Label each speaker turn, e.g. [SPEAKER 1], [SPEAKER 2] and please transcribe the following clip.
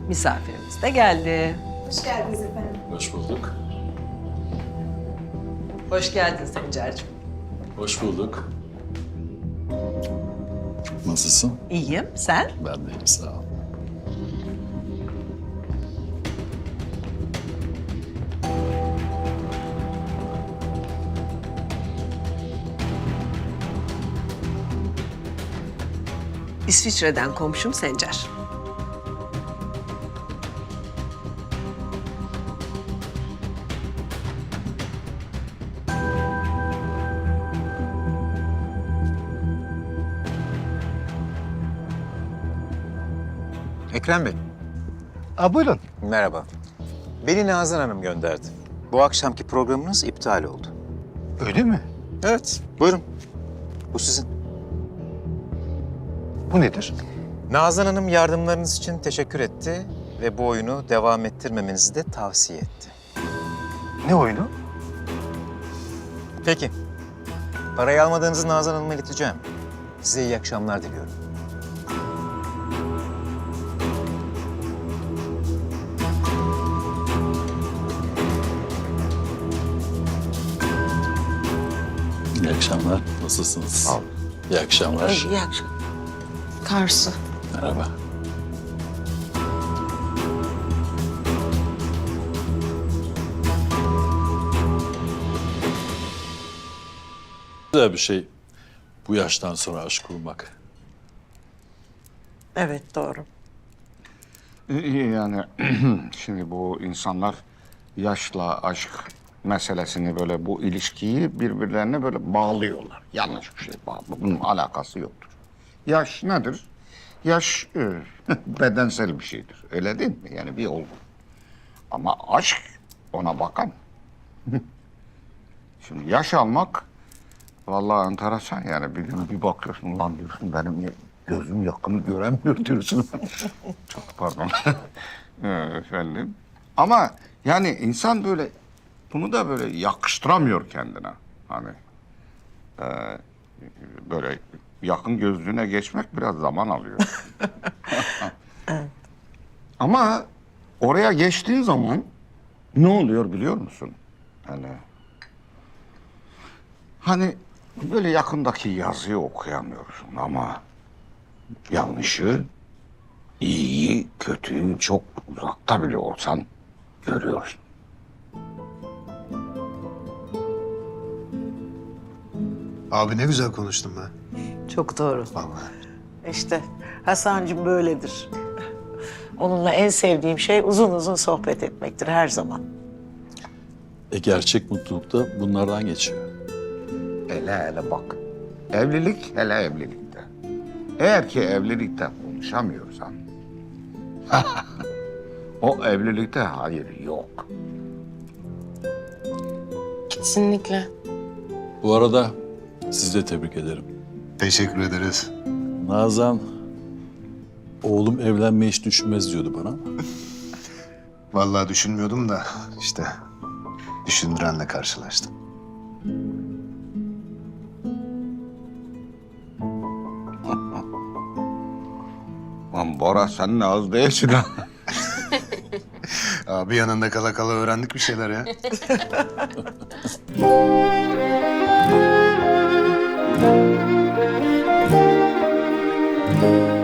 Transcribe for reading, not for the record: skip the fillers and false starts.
[SPEAKER 1] Misafirimiz de geldi.
[SPEAKER 2] Hoş geldiniz efendim.
[SPEAKER 3] Hoş bulduk.
[SPEAKER 1] Hoş geldin Sencer'cim.
[SPEAKER 3] Hoş bulduk. Nasılsın?
[SPEAKER 1] İyiyim, sen?
[SPEAKER 3] Ben de iyiyim, sağ ol.
[SPEAKER 1] İsviçre'den komşum Sencer.
[SPEAKER 4] Ekrem Bey,
[SPEAKER 5] Buyurun.
[SPEAKER 4] merhaba. Beni Nazan Hanım gönderdi. Bu akşamki programınız iptal oldu.
[SPEAKER 5] Öyle mi?
[SPEAKER 4] Evet, buyurun. Bu sizin.
[SPEAKER 5] Bu nedir?
[SPEAKER 4] Nazan Hanım yardımlarınız için teşekkür etti ve bu oyunu devam ettirmemenizi de tavsiye etti.
[SPEAKER 5] Ne oyunu?
[SPEAKER 4] Peki. Parayı almadığınızı Nazan Hanım'a ileteceğim. Size iyi akşamlar diliyorum.
[SPEAKER 3] İyi akşamlar, nasılsınız?
[SPEAKER 4] Sağ olun.
[SPEAKER 3] İyi akşamlar.
[SPEAKER 1] İyi akşam. Karsu.
[SPEAKER 3] Merhaba. Güzel bir şey bu yaştan sonra aşk kurmak.
[SPEAKER 1] Evet, doğru.
[SPEAKER 5] Yani şimdi bu insanlar yaşla aşk meselesini böyle bu ilişkiyi birbirlerine böyle bağlıyorlar. Yanlış bir şey bağlı. Bunun alakası yoktur. Yaş nedir? Yaş bedensel bir şeydir. Öyle değil mi? Yani bir olgu. Ama aşk ona bakan. Şimdi yaş almak vallahi enteresan yani. Bir gün bir bakıyorsun lan diyorsun benim gözüm yakını göremiyor diyorsun. Çok pardon. Efendim. Ama yani insan böyle bunu da böyle yakıştıramıyor kendine. Hani böyle yakın gözlüğüne geçmek biraz zaman alıyor. Ama oraya geçtiğin zaman ne oluyor biliyor musun? Hani böyle yakındaki yazıyı okuyamıyorsun ama yanlışı, iyiyi, kötüyü çok uzakta bile olsan görüyorsun.
[SPEAKER 6] Abi ne güzel konuştun be.
[SPEAKER 7] Çok doğru.
[SPEAKER 6] Vallahi.
[SPEAKER 7] İşte Hasan'cığım böyledir. Onunla en sevdiğim şey uzun uzun sohbet etmektir her zaman.
[SPEAKER 3] Gerçek mutluluk da bunlardan geçiyor.
[SPEAKER 5] Hele bak. Evlilik hele evlilikte. Eğer ki evlilikte konuşamıyorsan o evlilikte hayır yok.
[SPEAKER 8] Kesinlikle.
[SPEAKER 3] Bu arada sizi de tebrik ederim.
[SPEAKER 6] Teşekkür ederiz.
[SPEAKER 3] Nazan, oğlum evlenmeyi hiç düşünmez diyordu bana.
[SPEAKER 6] Vallahi düşünmüyordum da işte düşündürenle karşılaştım.
[SPEAKER 5] Lan Bora sen ne az değilsin ha.
[SPEAKER 6] Abi yanında kala kala öğrendik bir şeyler ya.